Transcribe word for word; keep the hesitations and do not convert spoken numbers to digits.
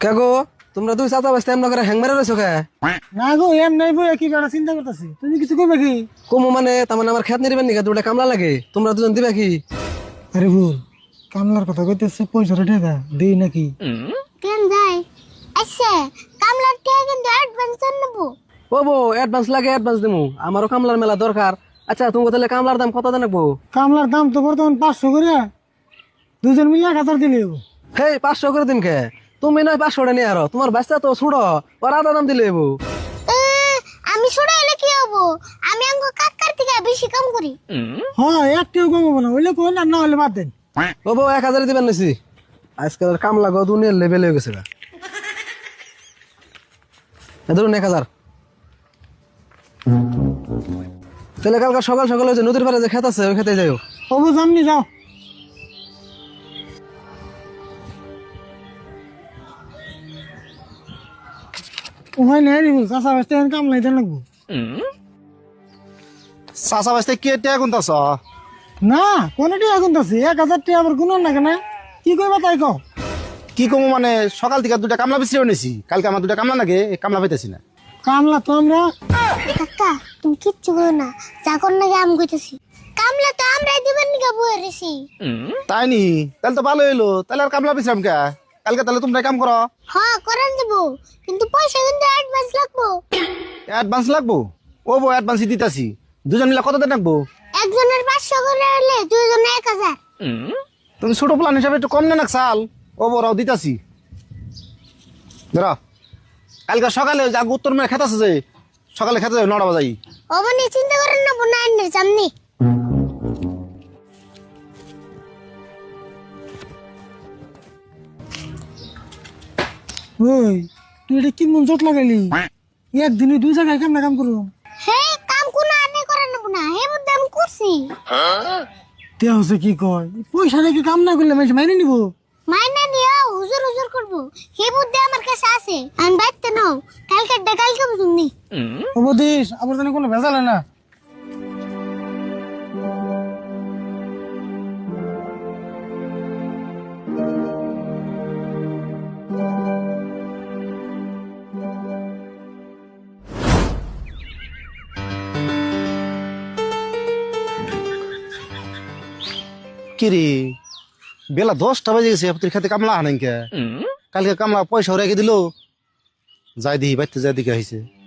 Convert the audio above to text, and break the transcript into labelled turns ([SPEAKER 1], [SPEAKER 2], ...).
[SPEAKER 1] কে গো তোমরা দুই চাচা বাস্তে এমন করে হ্যাং মেরে রয়েছো কে?
[SPEAKER 2] না গো এম নাই বই কি বেড়া চিন্তা করতেছি তুমি কিছু কইবে কি?
[SPEAKER 1] কমু মানে তার মানে আমার খেত নিবেন নাকি দুটা কামলা লাগে তোমরা দুজন দিবে কি?
[SPEAKER 2] আরে ভুল কামলার কথা কইতেছে পয়সা রেটে দা দেই নাকি?
[SPEAKER 3] কেন যাই আচ্ছা কামলার টাকা কিন্তু অ্যাডভান্স নেব।
[SPEAKER 1] ও বো অ্যাডভান্স লাগে অ্যাডভান্স দিমু আমারও কামলার মেলা দরকার। আচ্ছা তুমি তাহলে কামলার দাম কত জানাবো?
[SPEAKER 2] কামলার দাম তো বর্তমান পাঁচশো করে দুজন মিলে এক হাজার দিলে হইবো।
[SPEAKER 1] হেই পাঁচশো করে দিন কে? তুমি নয় পাঁচশোটা নিয়ে আরো তোমার বাচ্চা তো ছুড়ো ওর আধা দাম দিলে এবো।
[SPEAKER 3] এ, আমি ছোট হলে কি হবো? আমি আঙ্গ কাকার থেকে বেশি কাম করি।
[SPEAKER 2] হ্যাঁ একটিও কমাবো না হইলে কোন না হলে বাদ দেন।
[SPEAKER 1] ও বো এক হাজার দিবেন নিছি আজকাল কামলা গো দুনিয়ার লেভেল হয়ে গেছে গা। এ ধরুন এক হাজার। তাহলে কালকে সকাল সকাল ওই যে নদীর পাড়ে যে খেত আছে ওই খেতে যাইও।
[SPEAKER 2] অবু সামনে যাও। ওখানে নেই রিবু চাষা বাসতে কাম লাইতে লাগবো।
[SPEAKER 4] চাষা বাসতে কি টেয়া গুনতাছ?
[SPEAKER 2] না কোনটি এখন আছে এক হাজার টাকা আবার গুণ না কেন কি কইবা তাই কও।
[SPEAKER 4] কি কমু মানে সকাল থেকে দুটা কামলা বেশি নিয়েছি, কালকে আমার দুটা কামলা লাগে কামলা পাইতেছি না।
[SPEAKER 2] কামলা তো আমরা
[SPEAKER 3] কাকা তুমি কিচ্ছু করো না চাকর নাকি আম কইতেছি কামলা তো আমরাই দিবেন নাকি বয়ে রেছি।
[SPEAKER 4] তাই নি তাহলে তো ভালো হইলো, তাহলে আর কামলা বেছিলাম কে? কালকে তাহলে তোমরা কাম করো।
[SPEAKER 3] হ্যাঁ করেন দেবো কিন্তু পয়সা কিন্তু অ্যাডভান্স লাগবো।
[SPEAKER 4] অ্যাডভান্স লাগবো? ও বো অ্যাডভান্সই দিতাছি। দুজন মিলে কত দেন রাখবো?
[SPEAKER 3] একজনের পাঁচশো করে হলে দুইজনে এক হাজার।
[SPEAKER 4] তুমি ছোট প্ল্যান হিসাবে একটু কম নেন সাল। ও বড় দিতাছি ধরো। কালকে সকালে যা উত্তর মেয়ে খেতে আছে যে সকালে খেতে যাবে নটা বাজাই।
[SPEAKER 3] অবনি চিন্তা করেন না বোনা আন্নের সামনে।
[SPEAKER 2] ওই তুই এটা কি মন জট লাগাইলি একদিনে দুই জায়গায় কাম না কাম করবো।
[SPEAKER 3] হে কাম কোন আনে করেন না বোনা হে বুদ্ধি আমি করছি।
[SPEAKER 2] তে হচ্ছে কি কয় পয়সা রেখে কাম না করলে মানুষ মাইনে নিবো।
[SPEAKER 3] মাইনা নিয়া হুজুর হুজুর করবো হে বুদ্ধি আমার কাছে আছে আমি বাইতে নাও কালকে কালকে বুঝুননি।
[SPEAKER 2] অবদেশ আবার জানি কোনো ভেজালে না।
[SPEAKER 4] কিরে বেলা দশটা বাজে গেছে তোর খেতে কামলা আনেন কে? কালকে কামলা পয়সা রেখে দিল যাই দিই বাইতে যাই দিকে হয়েছে।